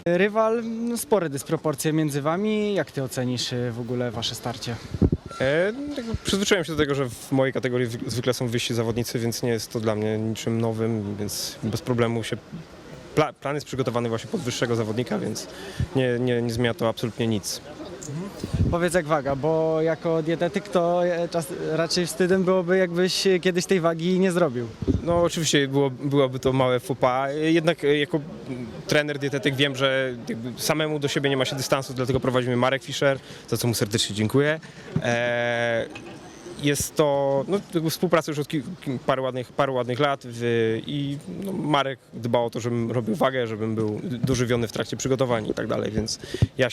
Rywal, spore dysproporcje między wami. Jak ty ocenisz w ogóle wasze starcie? Przyzwyczaiłem się do tego, że w mojej kategorii zwykle są wyżsi zawodnicy, więc nie jest to dla mnie niczym nowym, więc bez problemu się... Plan jest przygotowany właśnie pod wyższego zawodnika, więc nie zmienia to absolutnie nic. Powiedz jak waga, bo jako dietetyk to raczej wstydem byłoby, jakbyś kiedyś tej wagi nie zrobił. No oczywiście byłoby to małe faux pas, jednak jako trener, dietetyk wiem, że jakby samemu do siebie nie ma się dystansu, dlatego prowadzimy Marek Fischer, za co mu serdecznie dziękuję. Jest to współpraca już od paru ładnych lat i Marek dba o to, żebym robił wagę, żebym był dożywiony w trakcie przygotowań i tak dalej, więc ja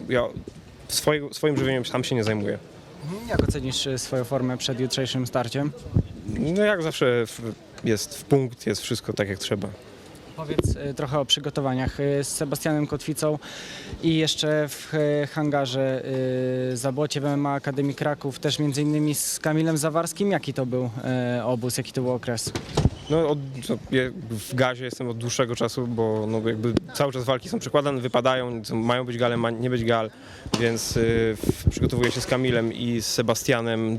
swoim żywieniem sam się nie zajmuję. Jak ocenisz swoją formę przed jutrzejszym starciem? No jak zawsze jest w punkt, jest wszystko tak jak trzeba. Powiedz trochę o przygotowaniach z Sebastianem Kotwicą i jeszcze w hangarze Zabłocie w MMA Akademii Kraków, też między innymi z Kamilem Zawarskim. Jaki to był obóz, jaki to był okres? No, w gazie jestem od dłuższego czasu, bo jakby cały czas walki są przekładane, wypadają, mają być gale, ma nie być gal, więc przygotowuję się z Kamilem i z Sebastianem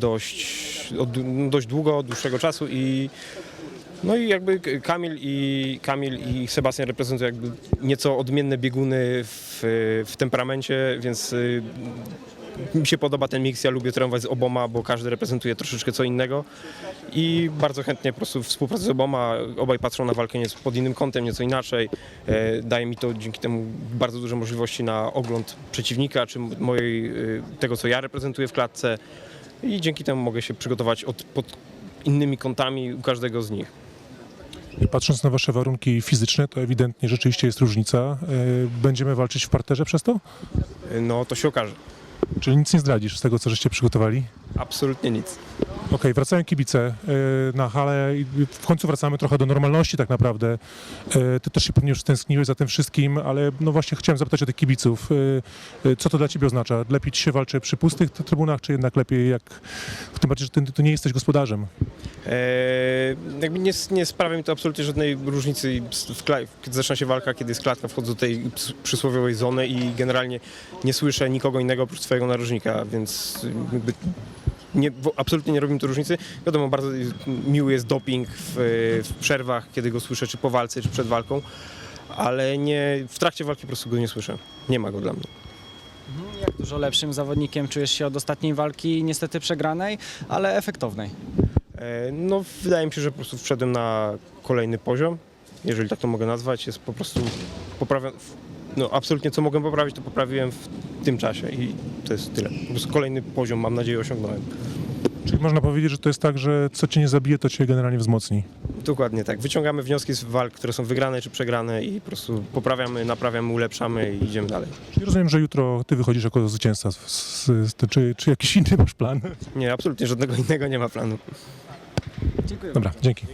dość długo, od dłuższego czasu i jakby Kamil i Sebastian reprezentują jakby nieco odmienne bieguny w temperamencie, więc mi się podoba ten miks, ja lubię trenować z oboma, bo każdy reprezentuje troszeczkę co innego i bardzo chętnie po prostu współpracuję z oboma, obaj patrzą na walkę nieco pod innym kątem, nieco inaczej. Daje mi to dzięki temu bardzo duże możliwości na ogląd przeciwnika, czy tego co ja reprezentuję w klatce i dzięki temu mogę się przygotować pod innymi kątami u każdego z nich. I patrząc na wasze warunki fizyczne, to ewidentnie rzeczywiście jest różnica. Będziemy walczyć w parterze przez to? No to się okaże. Czyli nic nie zdradzisz z tego, co żeście przygotowali? Absolutnie nic. Okej, wracają kibice na halę i w końcu wracamy trochę do normalności tak naprawdę. Ty też się pewnie już stęskniłeś za tym wszystkim, ale no właśnie chciałem zapytać o tych kibiców. Co to dla ciebie oznacza? Lepiej ci się walczy przy pustych trybunach, czy jednak lepiej jak... Tym bardziej, że ty nie jesteś gospodarzem. Jakby nie sprawia mi to absolutnie żadnej różnicy, kiedy zaczyna się walka, kiedy jest klatka, wchodzę do tej przysłowiowej zony i generalnie nie słyszę nikogo innego oprócz swojego narożnika, więc jakby absolutnie nie robi mi to różnicy. Wiadomo, bardzo miły jest doping w przerwach, kiedy go słyszę, czy po walce, czy przed walką, ale w trakcie walki po prostu go nie słyszę. Nie ma go dla mnie. Jak dużo lepszym zawodnikiem czujesz się od ostatniej walki, niestety przegranej, ale efektownej? No, wydaje mi się, że po prostu wszedłem na kolejny poziom, jeżeli tak to mogę nazwać. Jest po prostu absolutnie co mogłem poprawić, to poprawiłem w tym czasie i to jest tyle. Po prostu kolejny poziom, mam nadzieję, osiągnąłem. Czyli można powiedzieć, że to jest tak, że co cię nie zabije, to cię generalnie wzmocni. Dokładnie tak. Wyciągamy wnioski z walk, które są wygrane czy przegrane i po prostu poprawiamy, naprawiamy, ulepszamy i idziemy dalej. Czyli rozumiem, że jutro ty wychodzisz jako zwycięzca. Czy jakiś inny masz plan? Nie, absolutnie żadnego innego nie ma planu. Dziękuję. Dobra, dzięki.